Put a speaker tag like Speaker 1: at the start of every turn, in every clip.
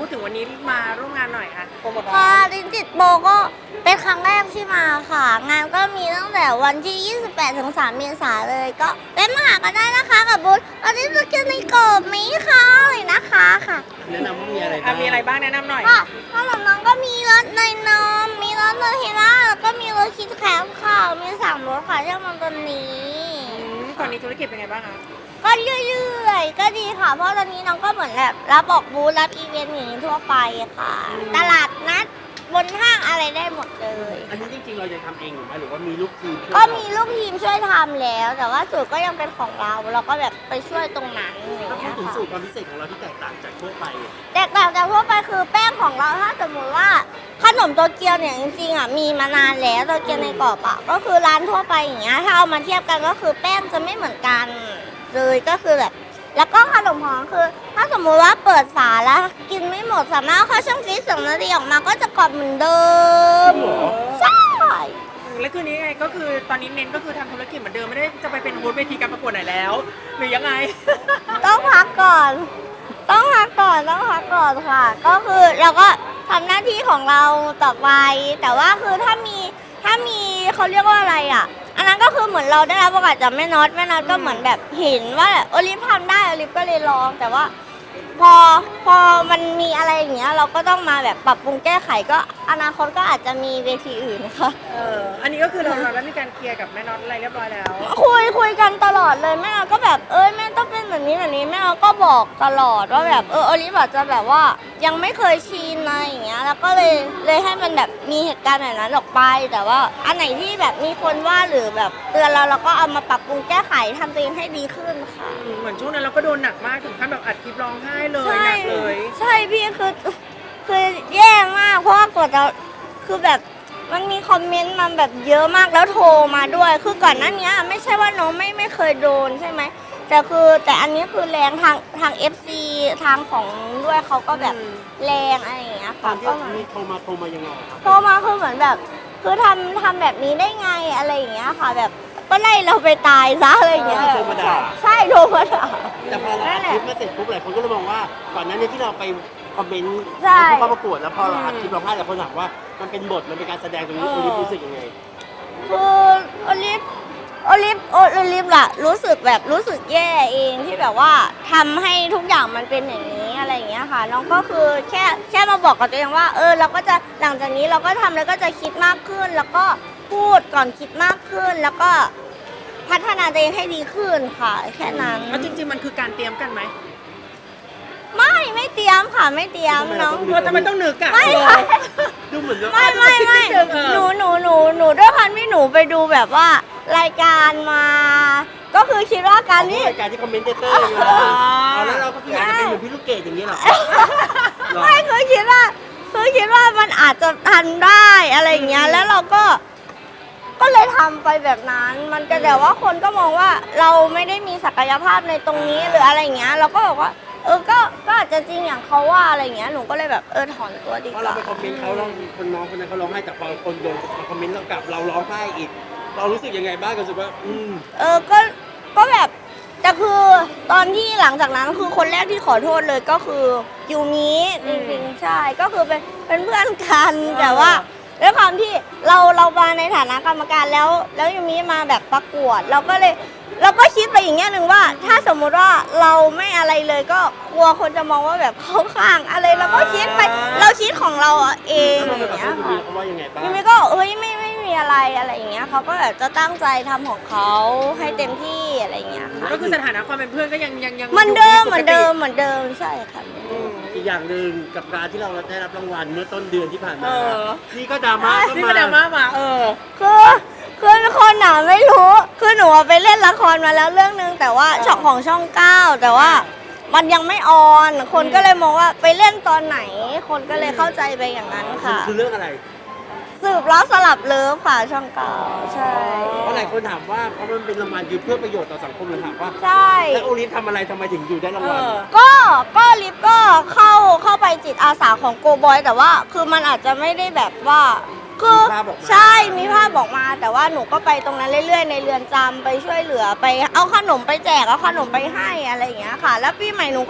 Speaker 1: ถึงวันนี้มาร่วมงานหน่อยค่ะโปรโมท
Speaker 2: ค่ะลิ้นติดโบก็เป็นครั้งแรกที่มาค่ะ งานก็มีตั้งแต่วันที่ 28 ถึง 3 เมษายนเลยก็แวะมาหากันได้นะคะกับบูธอันนี้จะกินในกรอบไหมคะเลยนะคะค่ะ
Speaker 3: แนะนำว่ามีอะไรบ้าง
Speaker 1: มีอะไรบ้างแนะนำหน่อย
Speaker 2: ค่ะขนมน้องก็มีรสเนยนมมีรสเนยเฮล่าแล้วก็มีรสคิดแคมค่ะมี3รสค่ะที่มันตัวนี้
Speaker 1: ตอนนี้ธุรกิจเป็นไงบ้างคะ
Speaker 2: ก็เรื่อยๆก็ดีค่ะ เพราะตอนนี้น้องก็เหมือนแบบรับออกบูธรับอีเวนต์อย่างนี้ทั่วไปค่ะ ตลาดนัดบนห้างอะไรได้หมดเลย
Speaker 3: อันนี้จริงๆเราจะทำเองหรือไม่หรือว่ามีลูกทีมช่วย
Speaker 2: ก็มีลูกทีมช่วยทำแล้ว แต่ว่าสูตรก็ยังเป็นของเราก็แบบไปช่วยตรงนั้นอย่าง
Speaker 3: ถ้าพู
Speaker 2: เงี้
Speaker 3: ด
Speaker 2: ย
Speaker 3: ถึงสู
Speaker 2: ค่ะ
Speaker 3: ตรความพิเศษของเราที่แตกต่างจากทั่วไป
Speaker 2: แตกต่างจากทั่วไปคือแป้งของเราถ้าสมมติว่าขนมโตเกียวเนี่ยจริงๆอ่ะมีมานานแล้วโตเกียวในกรอบอ่ะก็คือร้านทั่วไปอย่างเงี้ยถ้าเอามาเทียบกันก็คือแป้งจะไม่เหมือนกันเลยก็คือแบบแล้วก็ขนมหอมคือ ถ้าสมมุติว่าเปิดฝาแล้วกินไม่หมดสามารถเอาเข้าช่องฟรีซ2 นาทีออกมาก็จะกรอบเหมือนเดิมใช่
Speaker 1: แล้วคืนนี้ไงก็คือตอนนี้เน้นก็คือทำธุรกิจเหมือนเดิมไม่ได้จะไปเป็นโฮสต์เวทีการประกวดไหนแล้ว หรือยังไง
Speaker 2: ต้องพักก่อน ต้องพักก่อนค่ะ ก็คือเราก็ทำหน้าที่ของเราต่อไป แต่ว่าคือถ้ามีเขาเรียกว่าอะไรอ่ะ อันนั้นก็คือเหมือนเราได้รับโอกาสจากแม่น็อตก็เหมือนแบบเห็นว่าโอลิฟทำได้โอลิฟก็เลยลอง แต่ว่าพอมันมีอะไรอย่างเงี้ยเราก็ต้องมาแบบปรับปรุงแก้ไขก็อนาคตก็อาจจะมีเวทีอื่นค่ะ
Speaker 1: อันนี้ก็คือเราได้มีการเคลียร์กับแม่น็อตอะไรเรียบร้อยแล้ว
Speaker 2: คุยกันตลอดเลยแม่เราก็แบบแม่ต้องเป็นแบบนี้แม่เราก็บอกตลอดว่าแบบโอลิฟอาจจะแบบว่ายังไม่เคยชินอะไรอย่างเงี้ยแล้วก็เลยให้มันแบบมีเหตุการณ์แบบนั้นออกไป แต่ว่าอันไหนที่แบบมีคนว่าหรือแบบเตือนเราก็เอามาปรับปรุงแก้ไขทำตัวเองให้ดีขึ้นค่ะ
Speaker 1: เหมือนช่วงนั้นเราก็โดนหนักมากถึงขั้นแบบอัดคลิปร้องไห้เลย
Speaker 2: ใช่
Speaker 1: หนักเลย
Speaker 2: ใช่พี่คือแย่มากเพราะว่ากดเราคือแบบมันมีคอมเมนต์มันแบบเยอะมากแล้วโทรมาด้วยคือก่อนหน้านี้ไม่ใช่ว่าน้องไม่เคยโดนใช่ไหมแต่อันนี้คือแรงทาง FC ทางของด้วยเขาก็แบบแรงอะไรอย่างเงี้ย
Speaker 3: ตอ
Speaker 2: ค่ะ
Speaker 3: นที่
Speaker 2: ก็
Speaker 3: มีโทรมายังไงครับ
Speaker 2: โทรมาคือเหมือนแบบคือทำแบบนี้ได้ไงอะไรอย่างเงี้ยค่ะ แบบก็ไล่เราไปตายซะอะไรอย่างเงี้ย
Speaker 3: โทรมาด่า
Speaker 2: ใช่โทรมาด่า
Speaker 3: แต่พอเราอัดคลิปมาเสร็จปุ๊บหลายคนก็เลยมองว่าก่อนหน้านี้ที่เราไปคอมเมนต์
Speaker 2: ใช่
Speaker 3: ผู้เข้าประกวดแล้วพอเราอัดคลิปร้องไห้หลายคนถามว่ามันเป็นบทมันเป็นการแสดงตรงนี้คุณรู้สึกยังไง
Speaker 2: คือโอลิฟล่ะรู้สึกแย่เองที่แบบว่าทำให้ทุกอย่างมันเป็นอย่างนี้อะไรอย่างเงี้ยค่ะน้องก็คือแค่มาบอกกับตัวเองว่าเราก็จะหลังจากนี้เราก็ทำแล้วก็จะคิดมากขึ้น แล้วก็พูดก่อนคิดมากขึ้น แล้วก็พัฒนาตัวเองให้ดีขึ้นค่ะ แค่นั้น
Speaker 1: แล้วจริงๆมันคือการเตรียมกันไหม
Speaker 2: ไม่เตรียมค่ะไม่เตรียมน้อง
Speaker 1: ทำไมต้องนึกอะ
Speaker 2: ไม่ค่ะ
Speaker 3: ดูเหมือนว่า
Speaker 2: ไม่หนูด้วยความที่หนูไปดูแบบว่ารายการมา ก็คือคิดว่าการที่
Speaker 3: รายการที่คอมเมนเตอร์อย่างเงี้ยเอาแล้วเราก็คืออยากจะเป็นเหมือนพี่ลูกเกดอย่างนี้เหรอ
Speaker 2: ไม่คือคิดว่ามันอาจจะทันได้อะไรอย่างเงี้ยแล้วเราก็เลยทำไปแบบนั้น มันก็แต่ว่าคนก็มองว่าเราไม่ได้มีศักยภาพในตรงนี้หรืออะไรอย่างเงี้ยเราก็บอกว่าก็อาจจะจริงอย่างเขาว่าอะไรอย่างเงี้ยหนูก็เลยแบบถอนตัวดี
Speaker 3: เพ
Speaker 2: ก
Speaker 3: ราะเรา
Speaker 2: ว่า
Speaker 3: ไปคอมเมนต์เขาแล้วคนน้องคนนั้นเขาร้องไห้แต่พอคนโดนมาคอมเมนต์เรากลับเราร้องไห้อีก เรารู้สึกยังไงบ้างรู้สึกว่า
Speaker 2: ก็แบบแต่คือตอนที่หลังจากนั้นคือคนแรกที่ขอโทษเลยก็คือยูมิจริงๆใช่ก็คือเป็นเพื่อนกันแต่ว่าด้วยความที่เรามาในฐานะกรรมการแล้วยูมิมาแบบประกวดเราก็คิดไปอย่างเงี้ยหนึ่งว่า ถ้าสมมุติว่าเราไม่อะไรเลยก็กลัวคนจะมองว่าแบบเข้าข้างอะไรเราก็คิดไปเราคิดของเราเอง
Speaker 3: แล้ว
Speaker 2: อ
Speaker 3: เราไป
Speaker 2: ย่าง
Speaker 3: ขอ
Speaker 2: เงี้ย
Speaker 3: โทษยู
Speaker 2: ค่ะ
Speaker 3: มีเขาว่ายังไงบ้าง
Speaker 2: ยูมิก็ไม่มีอะไรอย่างเงี้ยเขาก็แบบจะตั้งใจทำของเขาให้เต็มที่อะไรอย่างเงี้ยค่ะ
Speaker 1: ก็คือสถานะความเป็นเพื่อนก็ยัง
Speaker 2: เหมือนเดิม
Speaker 1: ยู่ปกติ
Speaker 2: ใช่ค่ะ
Speaker 3: อีกอย่างหนึ่งกับการที่เราได้รับรางวัลเมื่อต้นเดือนที่ผ่าน
Speaker 1: เอ
Speaker 3: มา
Speaker 1: อ
Speaker 3: นี่ก็ดราม่าก็
Speaker 1: นี่
Speaker 3: มา
Speaker 1: ก็ดราม่ามา
Speaker 2: คือคนหนาไม่รู้คือหนูไปเล่นละครมาแล้วเรื่องนึงแต่ว่าช่อง 9แต่ว่ามันยังไม่ออนคนก็เลยมองว่าไปเล่นตอนไหน คนก็เลยเข้าใจไปอย่างนั้นค่ะ
Speaker 3: คือเรื่องอะไร
Speaker 2: สืบล้อสลับเลิฟค่ะช่อง 9ใช่
Speaker 3: เพราะหลายคนถามว่าเพราะมันเป็นรางวัลคือเพื่อประโยชน์ต่อสังคมเลยถามว่า
Speaker 2: ใช่
Speaker 3: แล้วโอลิฟทำอะไรทำไมถึงอยู่ได้รางวัล
Speaker 2: ก็ลิฟก็เข้าไปจิตอาสาของโกบอยแต่ว่าคือมันอาจจะไม่ได้แบบว่าคือ
Speaker 3: มีภาพออกมา
Speaker 2: ใช่มีภาพบอกมา แต่ว่าหนูก็ไปตรงนั้นเรื่อยๆในเรือนจำไปช่วยเหลือไปเอาขนมไปแจกเอาขนมไปให้อะไรอย่างเงี้ยค่ะ แล้วปีใหม่หนูก็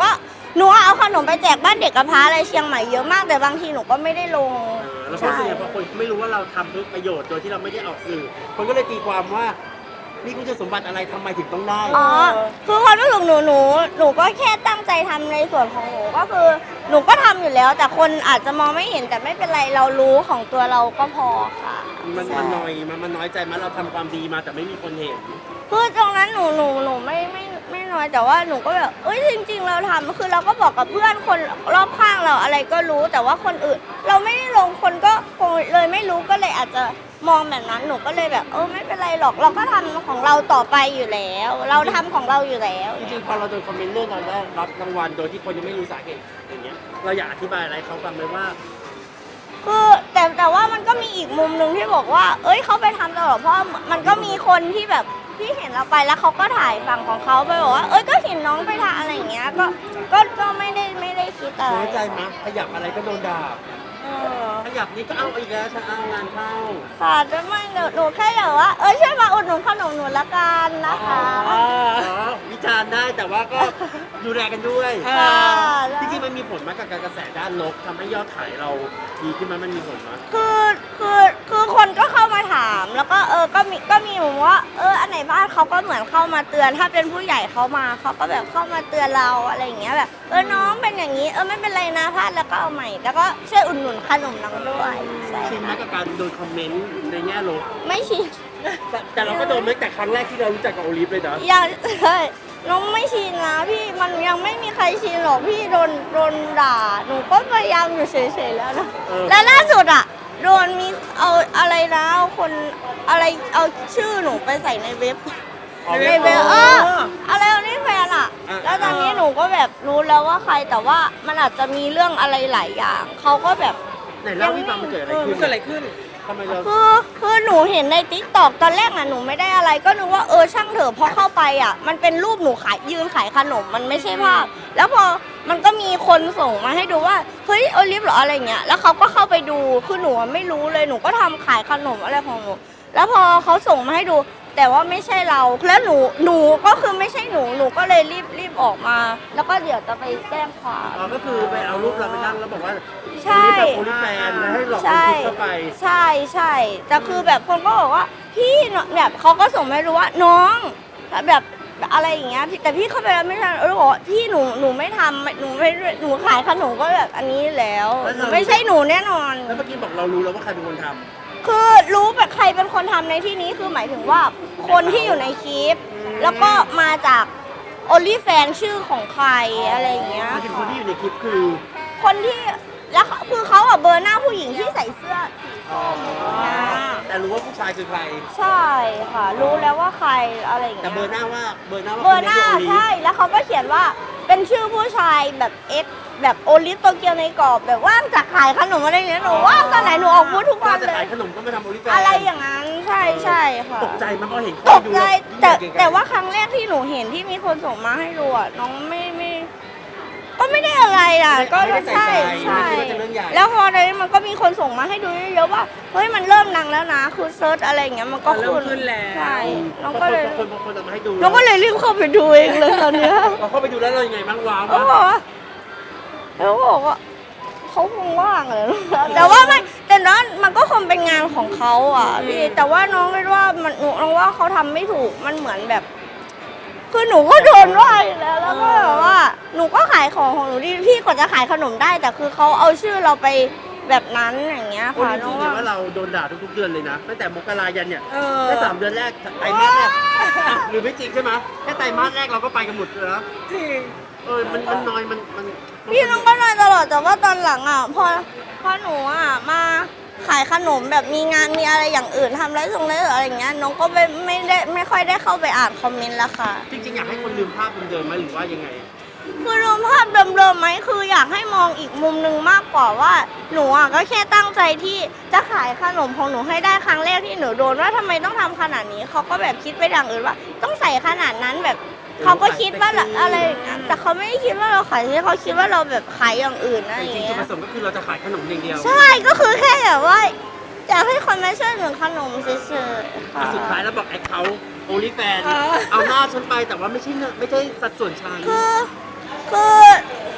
Speaker 2: หนูเอาขนมไปแจกบ้านเด็กกำพร้าอะไรเชียงใหม่เยอะมากแต่บางทีหนูก็ไม่ได้ลง
Speaker 3: แล้วพอส่วนใหญ่พอคนไม่รู้ว่าเราทำเพื่อประโยชน์โดยที่เราไม่ได้ออกสื่อคนก็เลยตีความว่านี่คุณสมบัติอะไรทำไมถึงต้องได้
Speaker 2: อ๋อ คือความรู้สึกหนูก็แค่ตั้งใจทำในส่วนของหนูก็คือหนูก็ทำอยู่แล้ว แต่คนอาจจะมองไม่เห็นแต่ไม่เป็นไรเรารู้ของตัวเราก็พอค่ะ
Speaker 3: มัน
Speaker 2: ใช่
Speaker 3: น้อยมันน้อยใจมันเราทำความดีมาแต่ไม่มีคนเห็น
Speaker 2: คือตรงนั้นหนูไม่น้อยแต่ว่าหนูก็แบบเอ้ยจริง ๆ เราทำคือเราก็บอกกับเพื่อนคนรอบข้างเราอะไรก็รู้แต่ว่าคนอื่น เราไม่ได้ลงคนก็คงเลยไม่รู้ก็เลยอาจจะมองแบบนั้นหนูก็เลยแบบไม่เป็นไรหรอกเราก็ทำของเราต่อไปอยู่แล้ว เราทำของเราอยู่แล้ว
Speaker 3: จริงๆพอเราโดนคอมเมนต์เรื่องเราได้รับรางวัลโดยที่คนยังไม่รู้สาเหตุอย่างเงี้ยเราอยากอธิบายอะไรเขาฟังไหมว่า
Speaker 2: คือแต่ว่ามันก็มีอีกมุมหนึ่งที่บอกว่า เอ้ยเขาไปทำตลอดเพราะมันก็มีคนที่แบบที่เห็นเราไปแล้วเขาก็ถ่ายฝั่งของเขาไปบอกว่าเอ้ยก็เห็นน้องไปทำอะไรอย่างเงี้ยก็ไม่ได้คิดอะไร
Speaker 3: น้อยใจมั้ยขยับอะไรก็โดนด่า
Speaker 1: เออ
Speaker 3: ขยับนี้ก็เอาอีกแล้วฉันเอางานเข้า
Speaker 2: ค่ะจะไม่หนูแค่อยากว่าช่วยมาอุดหนุนขนมหนูละกันนะคะ
Speaker 1: อ๋อ
Speaker 3: วิจารณ์ได้แต่ว่าก็ดูแลกันด้วย
Speaker 1: อ่า
Speaker 3: จริงๆมันมีผลมากกับการกระแสด้านลบทำให้ยอดขายเราดีขึ้นมามันมีผลมั้ย
Speaker 2: คือคนก็เข้ามาถามแล้วก็ก็มีเหมือนว่าอันไหนบ้างเขาก็เหมือนเข้ามาเตือนถ้าเป็นผู้ใหญ่เขามาเขาก็แบบเข้ามาเตือนเราอะไรอย่างเงี้ยแบบน้องเป็นอย่างนี้ไม่เป็นไรนะพลาดแล้วก็เอาใหม่แล้วก็ช่วยอุดหนุนขนมน้องด้วยใช่
Speaker 3: ชินไหมกับการโดนคอมเมนต์ในแง่ลบ
Speaker 2: ไม่ชิน
Speaker 3: แต่เราก็โดนตั้งแต่ครั้งแรกที่เรารู้จักกับโอลิฟเลยนะ
Speaker 2: ยังใช่น้องไม่ชินนะพี่มันยังไม่มีใครชินหรอกพี่โดนด่าหนูก็พยายามอยู่เฉยๆแล้วนะและล่าสุดอ่ะโดนมีเอาอะไรนะเอาคนอะไรเอาชื่อหนูไปใส่ในเว็บ ในเว็บอะไรนี่แฟนอ่ะ แล้วตอนนี้หนูก็แบบรู้แล้วว่าใครแต่ว่ามันอาจจะมีเรื่องอะไรหลายอย่างเขาก็แบบ
Speaker 3: ไหนเล่าให้ฟังมันเกิดอะไร
Speaker 1: มัน
Speaker 3: ขึ้น
Speaker 1: เกิดอะไรขึ้น
Speaker 3: ทำไมเรา
Speaker 2: คือหนูเห็นในติ๊กตอกตอนแรกน่ะหนูไม่ได้อะไรก็นึกว่าช่างเถอะพอเข้าไปอ่ะมันเป็นรูปหนูยืนขายขนมมันไม่ใช่ภาพแล้วพอมันก็มีคนส่งมาให้ดูว่าเฮ้ยโอลิฟเหรออะไรเงี้ยแล้วเขาก็เข้าไปดูคือหนูไม่รู้เลยหนูก็ทำขายขนมอะไรของหนูแล้วพอเขาส่งมาให้ดูแต่ว่าไม่ใช่เราแล้วหนูก็คือไม่ใช่หนูก็เลยรีบออกมา แล้วก็เดี๋ยวจะไปแจ้งความ
Speaker 3: ก็คือไปเอารูปเราไปนั่งแล้วบอกว่า
Speaker 2: ใช่
Speaker 3: โอลิฟแฟนแล้วให้หลอกคนคลิกเข้าไป
Speaker 2: ใช่แต่คือแบบคนก็บอกว่าพี่แบบเขาก็ส่งมาให้รู้ว่าน้องแบบอะไรอย่างเงี้ยแต่พี่เข้าไปแล้วไม่ทันบอกว่าพี่หนูไม่ทำหนูขายขนมก็แบบอันนี้แล้วไม่ใช่หนูแน่นอน
Speaker 3: แล้วเมื่อกี้บอกเรารู้แล้วว่าใครเป็นคนทำ
Speaker 2: คือรู้แบบใครเป็นคนทำในที่นี้คือหมายถึงว่าคนที่อยู่ในคลิป แล้วก็มาจากโอลิแฟนชื่อของใครอะไรอย่างเงี้ย
Speaker 3: มาถึงคนที่อยู่ในคลิปคือ
Speaker 2: คนที่แล้วคือเขาเบอร์หน้าผู้หญิงที่ใส่เสื้อ
Speaker 3: แต่รู้ว่าผู้ชายคือใคร
Speaker 2: ใช่ค่ะ รู้แล้วว่าใครอะไรอย่าง
Speaker 3: แต่
Speaker 2: เงี้ย
Speaker 3: เบอร์หน้าว่าเบอร์หน้าว่า
Speaker 2: เบอร์หน้า
Speaker 3: คนนี้คือโอลิฟ
Speaker 2: ใช่แล้วเขาก็เขียนว่าเป็นชื่อผู้ชายแบบเอ็กแบบโอลิฟโตเกียวในกรอบแบบว่างจากขายขนมอะไรอย่างเงี้ยหนูว่างตอนไหนหนูออกพูดทุกวัน
Speaker 3: จะ
Speaker 2: เล
Speaker 3: ขาย
Speaker 2: ย
Speaker 3: ขนมก็มาทำโอลิฟแฟน
Speaker 2: อะไรอย่างนั้นใช่ค่ะ
Speaker 3: ตกใจมั้ยพอเห็น
Speaker 2: ตกใจแต่ว่า
Speaker 3: ค
Speaker 2: ครั้งแรกที่หนูเห็นที่มีคนส่งมาให้ดูอ่ะน้องก็ไม่ได้อะไรอ่ะก็ใช่แล้วพอในนี้มันก็มีคนส่งมาให้ดูเยอะๆว่าเฮ้ยมันเริ่มดังแล้วนะคือเซิร์ชอะไรอย่างเงี้ยมันก็
Speaker 1: เริ่มขึ้นแล้ว
Speaker 2: ใช่
Speaker 3: น้
Speaker 2: น้
Speaker 3: อ
Speaker 2: อง ง
Speaker 3: ก็
Speaker 2: ก็
Speaker 3: เล
Speaker 2: เลย ย
Speaker 3: คนเอามาให้ดู
Speaker 2: น้องก็เลยรีบเข้าไปดูเองเลยตอนเนี้ย
Speaker 3: เราเข้าไปดูแล้วเรายังไงบ้างว้าว
Speaker 2: เขาบอกว่าแล้วบอกว่าเขาคงว่างเลยแต่ว่าไม่แต่นั้นมันก็คงเป็นงานของเขาอ่ะพี่แต่ว่าน้องคิดว่ามันน้องว่าเขาทำไม่ถูกมันเหมือนแบบ คือหนูก็โดนว่าอยู่แล้วก็แบบว่าหนูก็ขายของหนูดีพี่กว่าจะขายขนมได้แต่คือเขาเอาชื่อเราไปแบบนั้นอย่างเงี้ย
Speaker 3: คน
Speaker 2: ค่ะ
Speaker 3: จริงๆว่าเราโดนด่าทุกๆเดือนเลยนะตั้งแต่มกรายันเนี่ย
Speaker 1: เออ
Speaker 3: แค่3 เดือนแรกไตรมาสแรกหรือไม่จริงใช่ไหมแค่ไตรมาสแรกเราก็ไปกันหมดเลยนะ
Speaker 1: จริง
Speaker 3: มันน้อยมัน
Speaker 2: พี่น้องก็นอยตลอดแต่ว่าตอนหลังอ่ะพอหนูอ่ะมาขายขนมแบบมีงานมีอะไรอย่างอื่นทำไรส่งไรอะไรอย่างเงี้ยน้องก็ไม่ค่อยได้เข้าไปอ่านคอมเมนต์แล้วค่ะ
Speaker 3: จริงๆอยากให้คนลืมภาพเดิมๆไหมหรือว่ายังไง
Speaker 2: คือรวมภาพเดิมๆไหมคืออยากให้มองอีกมุมหนึ่งมากกว่าว่าหนูอ่ะก็แค่ตั้งใจที่จะขายขนมของหนูให้ได้ครั้งแรกที่หนูโดนว่าทำไมต้องทำขนาดนี้เขาก็แบบคิดไปอย่างอื่นว่า ต้องใส่ขนาดนั้นแบบเขาก็คิดว่าอะไรอย่างเงี้ยแต่เขาไม่ได้คิดว่าเราขายที่เขาคิดว่าเราแบบขายอย่างอื่นนะ
Speaker 3: แต่
Speaker 2: อ
Speaker 3: จ
Speaker 2: ย่าง
Speaker 3: ริงๆจุด
Speaker 2: เงี้
Speaker 3: ป
Speaker 2: ย
Speaker 3: ระสงค์ก็คือเราจะขายขนมอย่างเดียว
Speaker 2: ใช่ก็คือแค่แบบว่าอยากให้คนมาช่วยหนูขนมเฉยๆค่ะ
Speaker 3: สุดท้ายแล้วบอกแอคเขาโอลิแฟนเอาหน้าฉันไปแต่ว่าไม่ใช่สัดส่วนชาย
Speaker 2: คือ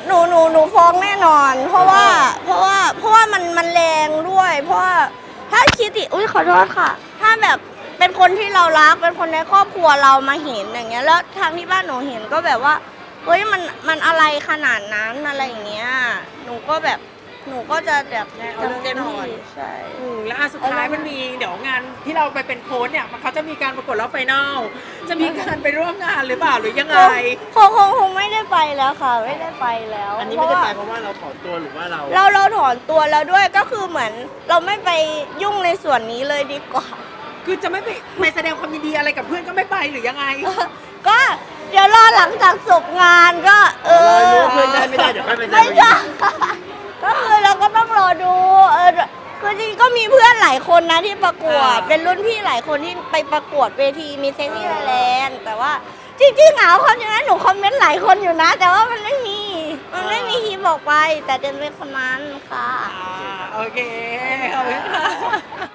Speaker 2: หนูฟ้องแน่นอน เพราะว่ามันแรงด้วย เพราะว่าถ้าคิดดิอุ้ยขอโทษค่ะ ถ้าแบบเป็นคนที่เรารักเป็นคนในครอบครัวเรามาเห็นอย่างเงี้ยแล้วทางที่บ้านหนูเห็นก็แบบว่าเฮ้ยมันอะไรขนาดนั้นอะไรอย่างเงี้ยหนูก็จะแบบ
Speaker 1: เอาเรื่องแน่นอน
Speaker 2: ใช่
Speaker 1: แล้วสุดท้ายมันมีเดี๋ยวงานที่เราไปเป็นโค้ชเนี่ยเขาจะมีการประกวดรอบไฟนอลจะมีการไปร่วมงานหรือเปล่าหรือยังไง
Speaker 2: คงไม่ได้ไปแล้วค่ะ ไม่ได้ไปแล้ว
Speaker 3: อันนี้ไม่ได้ไปเพราะว่าเราถอนตัวหรือว่าเรา
Speaker 2: เราถอนตัวแล้วด้วยก็คือเหมือนเราไม่ไปยุ่งในส่วนนี้เลยดีกว่า
Speaker 1: คือจะไม่ไปแสดงความยินดีอะไรกับเพื่อนก็ไม่ไปหรือยังไง
Speaker 2: ก็เดี๋ยวรอหลังจากจบงานก็
Speaker 3: รู้ว่าเพื่อนได้ไม่ได้เดี๋ยวค่อยไปแสด
Speaker 2: ไม่
Speaker 3: ง
Speaker 2: ใช่ก็คือเราก็ต้องรอดูคือจริงๆก็มีเพื่อนหลายคนนะที่ประกวด เป็นรุ่นพี่หลายคนที่ไปประกวดเวทีมีเซ็กซี่ไทยแลนด์แต่ว่าจริงๆความจริงแล้วหนูคอมเมนต์หลายคนอยู่นะ แต่ว่ามันไม่มีทีบอกไป แต่เดินเป็นคนนั้นค่ะ
Speaker 1: โอเคขอบคุณค่ะ